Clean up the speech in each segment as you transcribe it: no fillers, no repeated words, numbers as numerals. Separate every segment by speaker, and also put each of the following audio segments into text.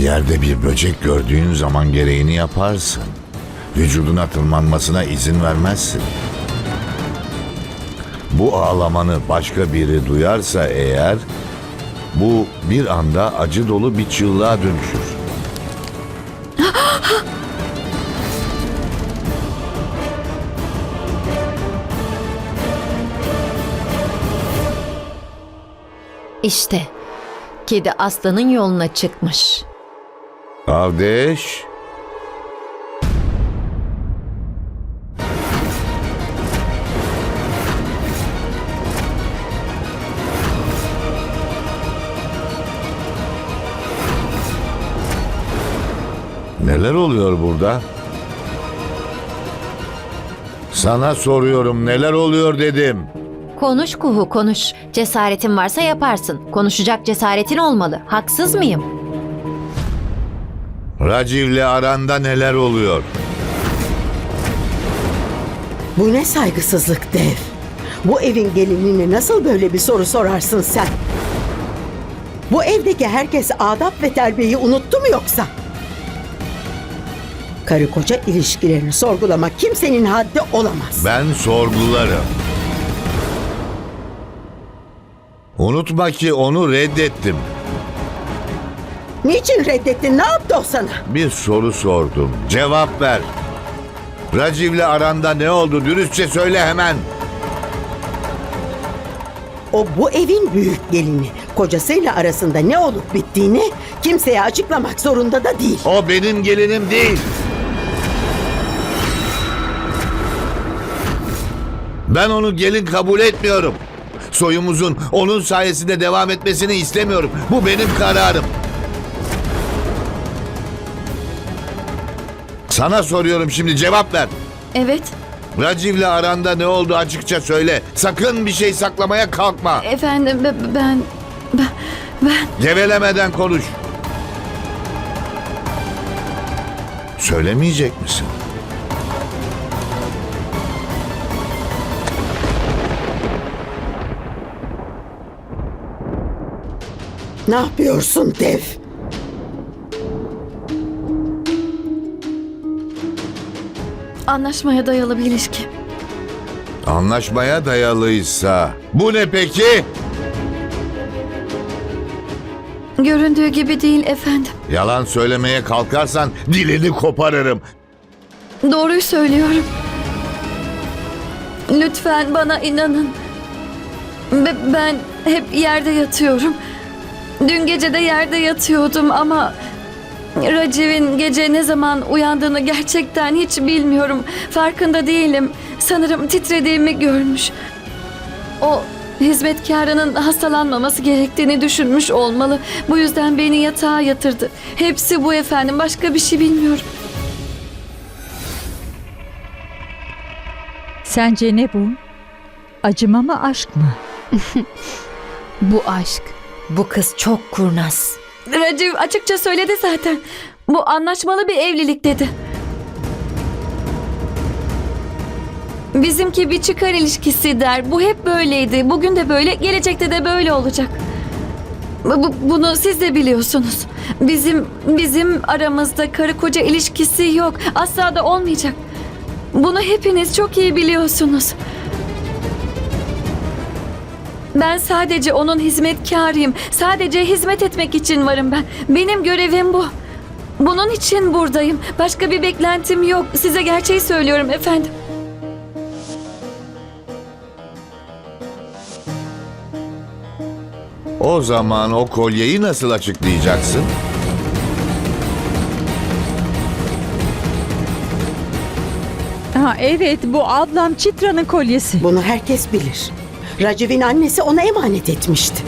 Speaker 1: Yerde bir böcek gördüğün zaman gereğini yaparsın. Vücuduna tırmanmasına izin vermezsin. Bu ağlamanı başka biri duyarsa eğer, bu bir anda acı dolu bir çığlığa dönüşür.
Speaker 2: İşte kedi aslanın yoluna çıkmış.
Speaker 1: Avdeş, neler oluyor burada? Sana soruyorum, neler oluyor dedim.
Speaker 2: Konuş Kuhu, konuş. Cesaretin varsa yaparsın. Konuşacak cesaretin olmalı. Haksız mıyım?
Speaker 1: Raciv'le aranda neler oluyor?
Speaker 3: Bu ne saygısızlık Dev? Bu evin gelinine nasıl böyle bir soru sorarsın sen? Bu evdeki herkes adap ve terbiyeyi unuttu mu yoksa? Karı koca ilişkilerini sorgulamak kimsenin haddi olamaz.
Speaker 1: Ben sorgularım. Unutma ki onu reddettim.
Speaker 3: Niçin reddettin? Ne yaptı o sana?
Speaker 1: Bir soru sordum. Cevap ver. Raciv'le aranda ne oldu? Dürüstçe söyle hemen.
Speaker 3: O bu evin büyük gelini. Kocasıyla arasında ne olup bittiğini kimseye açıklamak zorunda da değil.
Speaker 1: O benim gelinim değil. Ben onu gelin kabul etmiyorum. Soyumuzun onun sayesinde devam etmesini istemiyorum. Bu benim kararım. Sana soruyorum şimdi, cevap ver.
Speaker 4: Evet,
Speaker 1: Raciv'le aranda ne oldu açıkça söyle. Sakın bir şey saklamaya kalkma.
Speaker 4: efendim ben...
Speaker 1: Gevelemeden konuş. Söylemeyecek misin?
Speaker 3: Ne yapıyorsun Dev?
Speaker 4: Anlaşmaya dayalı bir ilişki.
Speaker 1: Anlaşmaya dayalıysa bu ne peki?
Speaker 4: Göründüğü gibi değil efendim.
Speaker 1: Yalan söylemeye kalkarsan dilini koparırım.
Speaker 4: Doğruyu söylüyorum. Lütfen bana inanın. Ben hep yerde yatıyorum. Dün gece de yerde yatıyordum ama... Raciv'in gece ne zaman uyandığını gerçekten hiç bilmiyorum. Farkında değilim. Sanırım titrediğimi görmüş. O hizmetkarının hastalanmaması gerektiğini düşünmüş olmalı. Bu yüzden beni yatağa yatırdı. Hepsi bu efendim. Başka bir şey bilmiyorum.
Speaker 5: Sence ne bu? Acıma mı, aşk mı?
Speaker 2: Bu aşk. Bu kız çok kurnaz.
Speaker 4: Raciv açıkça söyledi zaten. Bu anlaşmalı bir evlilik dedi. Bizimki bir çıkar ilişkisi der. Bu hep böyleydi. Bugün de böyle, gelecekte de böyle olacak. Bunu siz de biliyorsunuz. Bizim aramızda karı koca ilişkisi yok. Asla da olmayacak. Bunu hepiniz çok iyi biliyorsunuz. Ben sadece onun hizmetkarıyım. Sadece hizmet etmek için varım ben. Benim görevim bu. Bunun için buradayım. Başka bir beklentim yok. Size gerçeği söylüyorum efendim.
Speaker 1: O zaman o kolyeyi nasıl açıklayacaksın?
Speaker 5: Ha evet, bu ablam Chitra'nın kolyesi.
Speaker 3: Bunu herkes bilir. Raciv'in annesi ona emanet etmişti.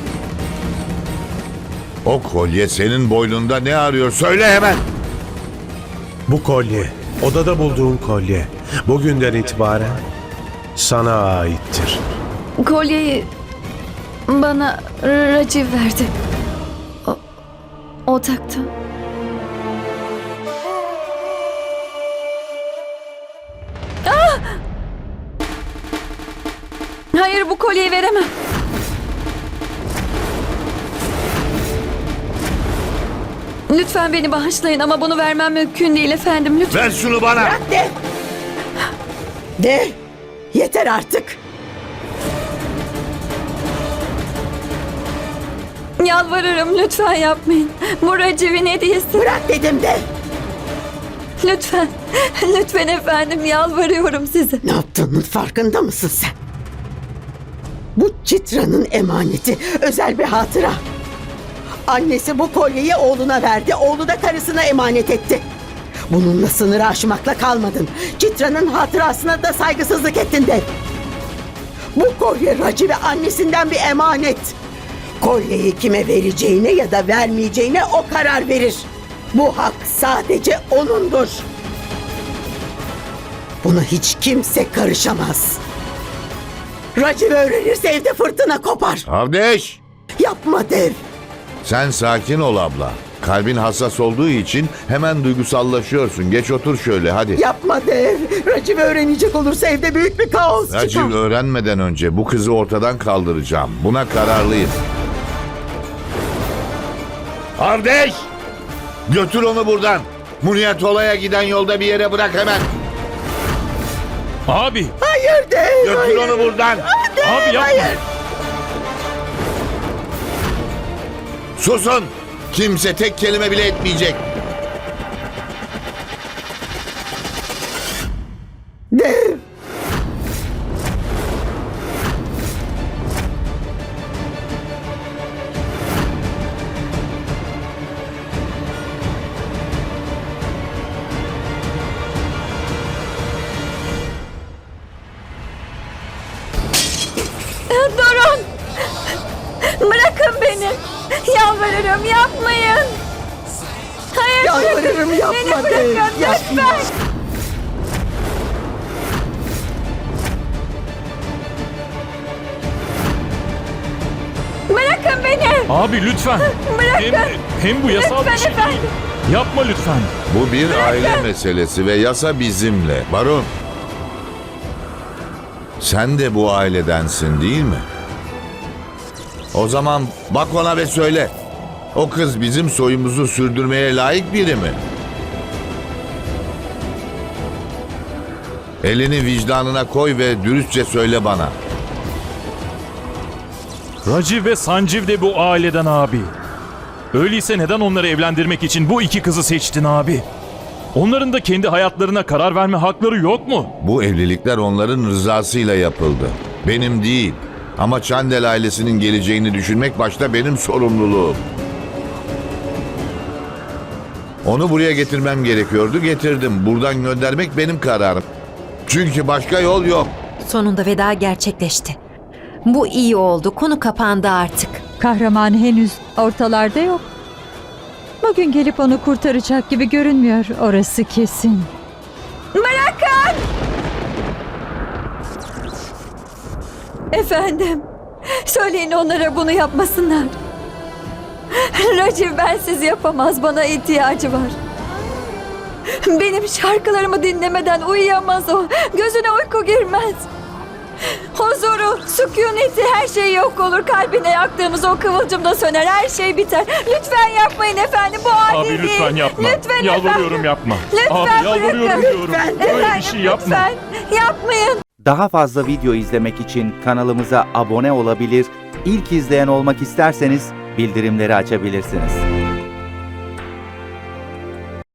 Speaker 1: O kolye senin boynunda ne arıyor? Söyle hemen.
Speaker 6: Bu kolye, odada bulduğun kolye, bugünden itibaren sana aittir.
Speaker 4: Kolyeyi bana Raciv verdi. O taktı. Ah! Hayır, bu kolyeyi veremem. Lütfen beni bağışlayın ama bunu vermem mümkün değil efendim. Lütfen.
Speaker 1: Ver şunu bana.
Speaker 3: Bırak Dev! Dev! Yeter artık!
Speaker 4: Yalvarırım lütfen yapmayın. Bu Raciv'in hediyesi.
Speaker 3: Bırak dedim Dev!
Speaker 4: Lütfen. Lütfen efendim yalvarıyorum size.
Speaker 3: Ne yaptığının farkında mısın sen? Bu Citra'nın emaneti, özel bir hatıra. Annesi bu kolyeyi oğluna verdi, oğlu da karısına emanet etti. Bununla sınırı aşmakla kalmadın. Citra'nın hatırasına da saygısızlık ettin de. Bu kolye Raci ve annesinden bir emanet. Kolyeyi kime vereceğine ya da vermeyeceğine o karar verir. Bu hak sadece onundur. Buna hiç kimse karışamaz. Raci öğrenirse evde fırtına kopar.
Speaker 1: Avdeş!
Speaker 3: Yapma Dev.
Speaker 1: Sen sakin ol abla. Kalbin hassas olduğu için hemen duygusallaşıyorsun. Geç otur şöyle hadi.
Speaker 3: Yapma Dev. Raci öğrenecek olursa evde büyük bir kaos çıkar.
Speaker 1: Raciv öğrenmeden önce bu kızı ortadan kaldıracağım. Buna kararlıyım. Avdeş! Götür onu buradan. Muniyatola'ya giden yolda bir yere bırak hemen.
Speaker 7: Abi!
Speaker 3: Hayır Dev.
Speaker 1: Götür
Speaker 3: hayır.
Speaker 1: onu buradan.
Speaker 7: Abi yapma!
Speaker 3: Hayır.
Speaker 1: Susun. Kimse tek kelime bile etmeyecek.
Speaker 3: Dev.
Speaker 4: Durun. Bırakın beni. Yalvarırım yapmayın. Hayır
Speaker 3: Yalvarırım,
Speaker 4: bırakın.
Speaker 3: yapma
Speaker 4: Beni
Speaker 3: Dev,
Speaker 4: bırakın
Speaker 3: yapma.
Speaker 4: lütfen. Bırakın beni.
Speaker 7: Abi lütfen!
Speaker 4: Bırakın.
Speaker 7: Hem bu yasal
Speaker 4: Lütfen
Speaker 7: bir şey
Speaker 4: efendim.
Speaker 7: değil. Yapma lütfen.
Speaker 1: Bu bir aile meselesi ve yasa bizimle. Baron. Sen de bu ailedensin değil mi? O zaman bak ona ve söyle. O kız bizim soyumuzu sürdürmeye layık biri mi? Elini vicdanına koy ve dürüstçe söyle bana.
Speaker 7: Raciv ve Sanjiv de bu aileden abi. Öyleyse neden onları evlendirmek için bu iki kızı seçtin abi? Onların da kendi hayatlarına karar verme hakları yok mu?
Speaker 1: Bu evlilikler onların rızasıyla yapıldı. Benim değil. Ama Çandel ailesinin geleceğini düşünmek başta benim sorumluluğum. Onu buraya getirmem gerekiyordu, getirdim. Buradan göndermek benim kararım. Çünkü başka yol yok.
Speaker 2: Sonunda veda gerçekleşti. Bu iyi oldu. Konu kapandı artık.
Speaker 5: Kahraman henüz ortalarda yok. Bugün gelip onu kurtaracak gibi görünmüyor, orası kesin.
Speaker 4: Bırakın. Efendim. Söyleyin onlara bunu yapmasınlar. Raciv bensiz yapamaz. Bana ihtiyacı var. Benim şarkılarımı dinlemeden uyuyamaz o. Gözüne uyku girmez. Huzuru, sükuneti, her şey yok olur. Kalbine yaktığımız o kıvılcım da söner. Her şey biter. Lütfen yapmayın efendim. Bu adil
Speaker 7: Abi
Speaker 4: değil.
Speaker 7: lütfen yapma.
Speaker 4: Lütfen
Speaker 7: Yalvarıyorum
Speaker 4: efendim.
Speaker 7: yapma.
Speaker 4: Lütfen
Speaker 7: Abi yalvarıyorum
Speaker 4: bırakın.
Speaker 7: diyorum. Böyle bir
Speaker 4: Efendim
Speaker 7: şey yapma.
Speaker 4: lütfen yapmayın.
Speaker 8: Daha fazla video izlemek için kanalımıza abone olabilir, ilk izleyen olmak isterseniz bildirimleri açabilirsiniz.